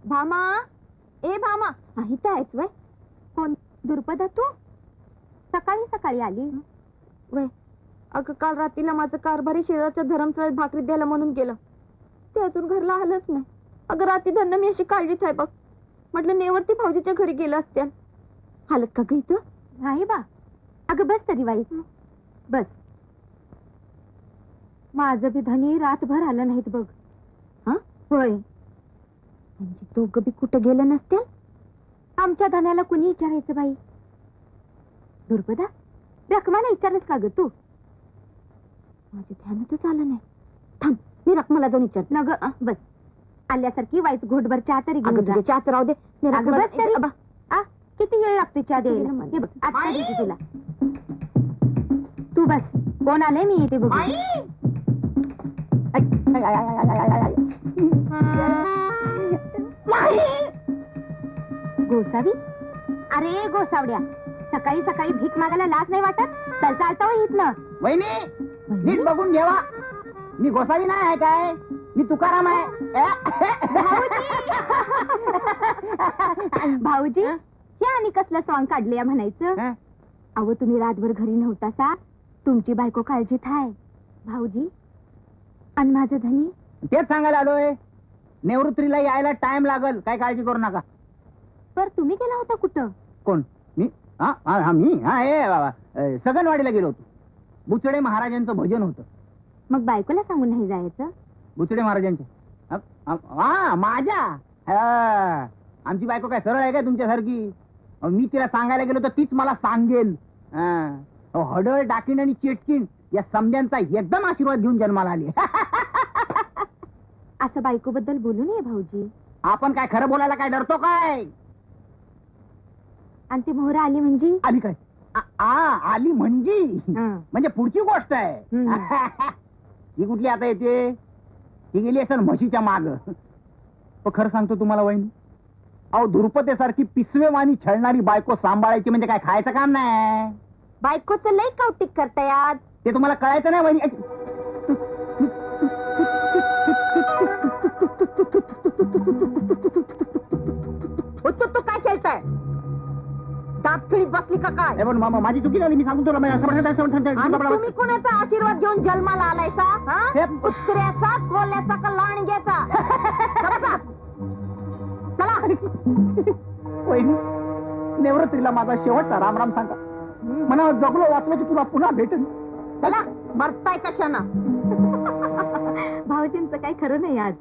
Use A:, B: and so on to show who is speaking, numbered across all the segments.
A: भामा, ए भामा, इथं आहेस वय? कोण दुर्पदा तू? सकाळी सकाळी आली वय? अगं काल रात्रीला माझं कारभारी शेजारच्या धरमशाळेत भाकरी द्यायला म्हणून गेलं, ते अजून घरला आलंच नाही. अगं रात्री धरणं मी अशी काळजीत आहे बघ. म्हटलं नेवरती भाऊजीच्या घरी गेलं असत्या. हालत का ग इथं? नाही बा. अगं बस तरी वाईस, बस. माझं बी धनी रातभर आलं नाहीत बघ. हा होय, म्हणजे दोघं बी कुठं गेलं नसत्या. आमच्या धन्याला कुणी विचारायचं बाई? दुर्पदा, रखमाला विचारलंस का ग तू? माझ्या ध्यानातच आलं नाही. थांब, मी रखमाला जाऊन विचार. न ग बस, आल्यासारखी वाईच घोटभर चहा तरी घेऊन जा. चहाच राहू दे. बस तरी. किती वेळ लागतो चहा द्यायला? हे बघ, आता देते तुला. तू बस. कोण आलंय मी येते बघ. गोसावी, अरे गोसावड्या, सकाळी सकाळी भीक मागायला लाज नाही वाटत? चल चालता हो इथनं. वहिनी, नीट बघून घ्यावा, मी गोसावी नाही आहे काय, मी तुकाराम आहे. भाऊजी, हे आणि कसलं सॉंग काढले म्हणायचं? अहो तुम्ही रातभर घरी नव्हता, तुमची बायको काळजीत आहे. भाऊजी आणि माझं धनी. तेच सांगायला आलोय, निवृत्तीला यायला टाइम लागल, काय काळजी करू नका. पर तुम्ही गेला होता कुठं? कोण? मी? मी सगनवाडीला गेलो होतो. बुचडे महाराजांचं भजन होतं. मग बायकोला सांगून नाही जायचं? बुचडे महाराजांच्या? माझ्या आमची बायको काय सरळ आहे काय तुमच्यासारखी? मी तिला सांगायला गेलो तर तीच मला सांगेल. हडळ, डाकीण आणि चेटकीण या समद्यांचा एकदम आशीर्वाद घेऊन जन्माला आली. असं बायको बद्दल बोलू नये भाऊजी. आपण काय खरं बोलायला काय डरतो काय? आणि ती मोहरा आली म्हणजे? आली काय? आली म्हणजे पुढची गोष्ट आहे. ही कुठली आता येते? ती गेली असेल म्हशीच्या माग. पण खरं सांगतो तुम्हाला वहिनी, अहो धुरपतेसारखी पिसवेवाणी छळणारी बायको सांभाळायची म्हणजे काय खायचं काम नाही. बायकोचं लई कौतिक करताय, ते तुम्हाला कळायचं नाही वहिनी. तू काय खेळताय? दात खिळीत बसली का काय? माझी चुकी झाली, मी सांगून तुला. तुम्ही कोणाचा आशीर्वाद घेऊन जन्माला आलायसा? कुत्र्याचा, कोल्याचा का लांडग्याचा? चला. निवृत्तीला माझा शेवटचा रामराम सांगा. मला जगलो वाचलो की तुला पुन्हा भेटेन. चला, मरताय कशाना? भाऊजींचं काही खरं नाही आज.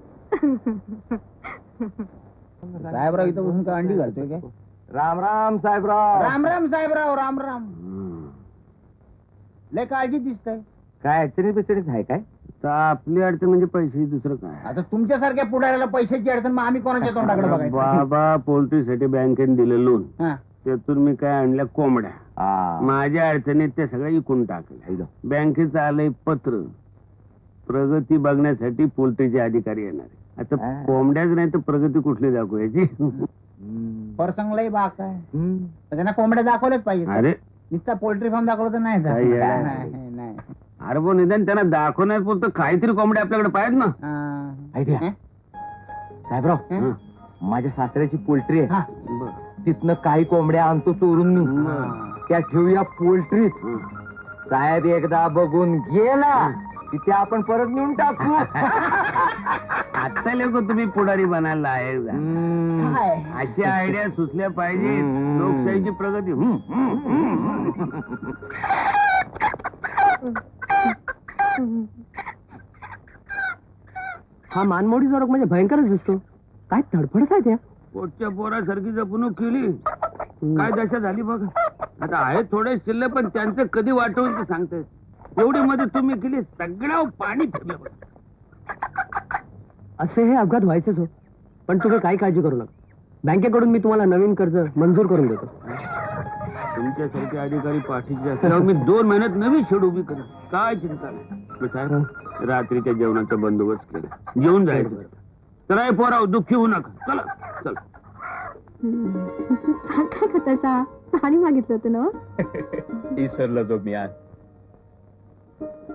A: साहेबराव इथं बसून का अंडी घालतोय काय?
B: राम राम साहेबराव.
A: राम राम साहेबराव, राम राम. लय काळजी दिसतंय.
B: काय अडचणी बिचणीत आहे काय? आपली अडचण म्हणजे पैसे, दुसरं काय?
A: आता तुमच्यासारख्या पुढाऱ्याला पैशाची अडचण, मग आम्ही कोणाच्या तोंडाकडे बघायचं?
C: बाबा, पोल्ट्रीसाठी बँकेने दिलं लोन, त्यातून मी काय आणल्या कोंबड्या. माझ्या अडचणीत ते सगळं इकून टाकलं. बँकेचं आलंय पत्र, प्रगती बघण्यासाठी पोल्ट्रीचे अधिकारी येणार. आता कोंबड्याच नाही तर प्रगती कुठली दाखवायची?
A: परसंगलाही बाक आहे, त्यांना कोंबड्या दाखवल्याच पाहिजे.
C: अरे
A: नुसता पोल्ट्री फार्म दाखवलं तर नाही.
C: अरे पण निदान त्यांना दाखवण्यापुरतं काहीतरी कोंबड्या आपल्याकडे पाहिजे ना.
B: आयडिया साहेबराव, माझ्या सासऱ्याची पोल्ट्री आहे, तिथनं काही कोंबड्या आणतो चोरून मी, त्या ठेवूया पोल्ट्रीत. साहेब एकदा बघून गेला तिथे आपण परत नेऊन टाकू.
C: आता लोक तुम्ही पुढारी बनायला आहे. अशी आयडिया सुचल्या पाहिजे. लोकशाहीची प्रगती.
B: हा मानमोडी जरक म्हणजे भयंकरच दिसतो. काय धडपडत आहे त्या?
C: पोटच्या पोरासारखी जपणूक केली, काय दशा झाली बघा. आता आहे थोडे शिल्लक, पण त्यांचं कधी वाटवून ते सांगताय. एवढी मध्ये तुम्ही केली, सगळं पाणी फिरलं.
B: असे हे अपघात व्हायचेच हो, पण तुम्ही काही काळजी करू नका. बँकेकडून मी तुम्हाला नवीन कर्ज मंजूर करून देतो.
C: तुमच्यासारखे अधिकारी पाठीचे असल्यावर मी 2 महिन्यात नवी शेड उभी करेन. काय चिंता नाही. रात्रीच्या जेवणाचा बंदोबस्त केला, जेवून जायचं. तर पोराव दुःखी होऊ नका. चला चला.
A: काय खताचा पाणी मागितलं होतं ना?
D: विसरलो तो मी आज.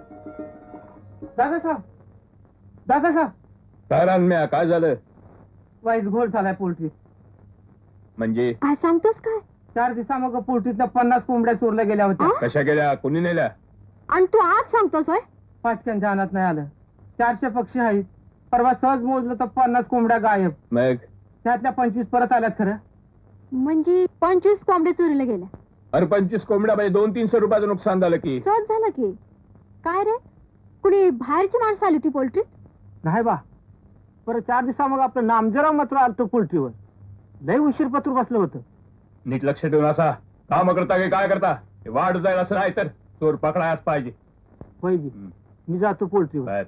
A: दादा साहेब, दादा साहेब.
D: काय रानम्या, काय झालं?
E: वाईस घोळ झालाय पोल्ट्रीत.
D: म्हणजे
A: काय सांगतोस काय?
E: 4 दिवसामाग पोल्ट्रीतल्या 50 कोंबड्या चोरल्या गेल्या होत्या.
D: कशा गेल्या, कोणी नेल्या?
A: आणि तू आज सांगतोस होय?
E: पाचक्यांच्या अनात नाही आलं. 400 पक्षी आहेत. परवा सहज मोजलं तर 50 कोंबड्या गायब.
D: मग
E: त्यातल्या 25 परत आल्यात खरं.
A: म्हणजे 25 कोंबड्या चोरीला गेल्या.
D: अरे 25 कोंबड्या म्हणजे 200-300 रुपयाचं नुकसान झालं की.
A: सहज झालं की. काय रे, कुणी बाहेरची माणसं आली होती पोल्ट्रीत?
E: नाही बा. परत 4 दिवसामाग आपलं नामजरा मात्र आलतो पोल्ट्रीवर. लय उशीर पत्र बसलं होतं.
D: नीट लक्ष ठेवून असा काम करता की काय करता, हे वाढ जाईल असं नाही तर चोर पकडायच पाहिजे.
E: पाहिजे. मी जातो पोल्ट्रीवर.
D: बाहेर.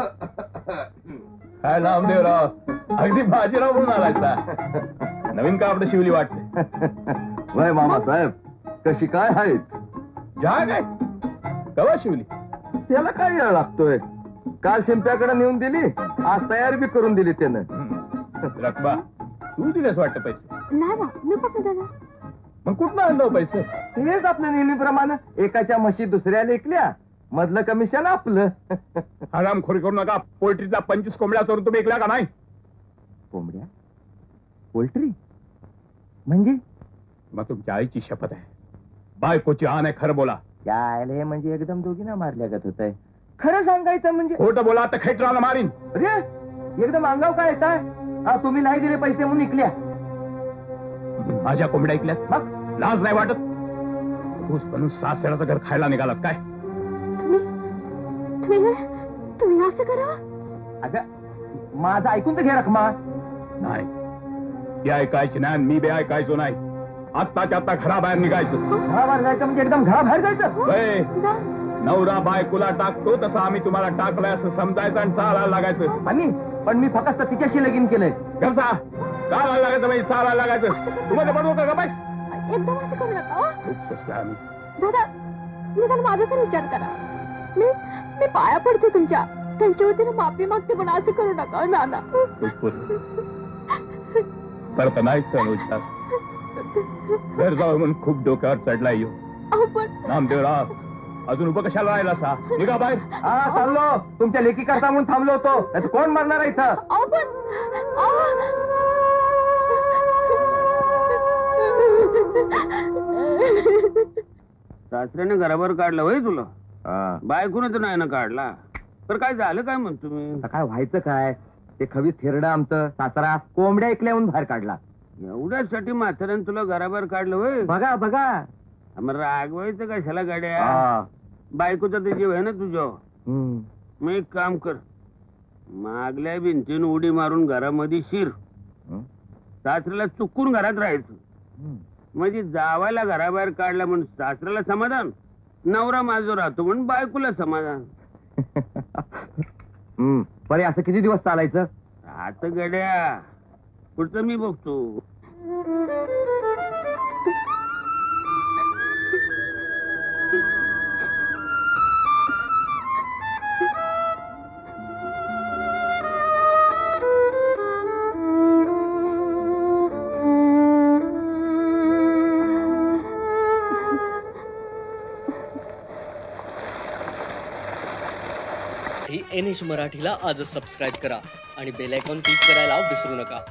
D: काय नामदेवराव, अगदी बाजीराव म्हणून आलायचा. नवीन कापड शिवली वाटते.
B: वय मामासाहेब, कशी काय आहेत?
D: जहा काय कवा शिवली?
B: त्याला काय वेळ लागतोय? काल शिंप्याकडे नेऊन दिली, आज तयारी बी करून दिली त्यानं.
D: रखबा तू दिलेस वाटतं पैसे?
A: नाही बा, मी कुठं दिलं?
D: मग कुठनं आणलं पैसे?
B: हेच आपलं नेहमीप्रमाणे एकाच्या म्हशी दुसऱ्या लेखल्या, मधलं कमिशन आपलं.
D: हरामखोरी करू नका. पोल्ट्रीचा 25 कोंबड्या चोरून तुम्ही ऐकल्या का नाही?
B: कोंबड्या? पोल्ट्री म्हणजे?
D: मग तुमच्या आईची शपथ आहे, बायकोची आण आहे, खरं बोला.
B: यायला हे म्हणजे एकदम दोघींना मारल्यागत होत आहे. खरं सांगायचं म्हणजे
D: खोटं बोला तर खेटराला मारीन.
B: अरे एकदम अंगाव काय येताय? तुम्ही नाही दिले पैसे म्हणून निघल्या.
D: माझ्या कोंबड्या ऐकल्यात?
B: मग
D: लाज नाही वाटत? ऊस बनून सासऱ्याचं घर खायला निघालात काय?
A: तुम्ही असं करा?
B: अगं माझं ऐकून तर घे रखमा.
D: नाही, ती ऐकायची नाही, मी बी ऐकायचो नाही. आत्ताच्या आत्ता घराबाहेर निघायचं.
B: घराबाहेर जायचं म्हणजे एकदम घराबाहेर जायचं?
D: होय. नवरा बायकोला टाकतो तसं आम्ही तुम्हाला टाकलंय असं समजायचं आणि चालायला लागायचं.
B: आणि पण मी फक्त तिच्याशी लगीन केलंय.
D: कसा चालायला लागायचं म्हणजे चालायला लागायचं. तुम्हाला बनवू का बाय?
A: एकदम असं करू नका.
D: खूप स्वस्त आहे आम्ही.
A: दादा, निदान माझा तर विचार करा. मी पाया पडते तुमच्या. त्यांच्या वतीने माफी मागते, पण असं करू नका नाना.
D: परत नाही सण उच्चास घर जाऊ म्हणून खूप डोक्यावर चढलाय येऊ.
A: पण
D: नामदेवराव, अजून उभं कशाला राहिला सा? निघा बाहेर.
B: चाललो. तुमच्या लेखी करता म्हणून थांबलो होतो. नाहीतर कोण मारणार आहे इथं?
C: सासऱ्याने घराबाहेर काढलं होय तुला? बायकोने तर नाही ना काढला. तर काय झालं काय म्हणतो मी?
B: आता काय व्हायचं काय? ते खवीस थेरडं आमचं सासरा कोंबड्या ऐकल्याहून बाहेर काढला.
C: एवढ्यासाठी म्हाताऱ्याने तुला घराबाहेर काढलं होय?
B: बघा बघा.
C: मग रागवायचं कशाला गाड्या? बायकोचा तर जीव आहे ना तुझ्या. मग एक काम कर, मागल्या भिंतीन उडी मारून घरामध्ये शिर. सासऱ्याला चुकून घरात राहायचं. म्हणजे जावायला घराबाहेर काढला म्हणून सासऱ्याला समाधान, नवरा माझो राहतो म्हणून बायकोला समाधान.
B: बरे असं किती दिवस चालायचं?
C: आता गड्या पुढचं मी बघतो.
F: NH मराठीला आजच सबस्क्राईब करा आणि बेल आयकॉन क्लिक करायला विसरू नका.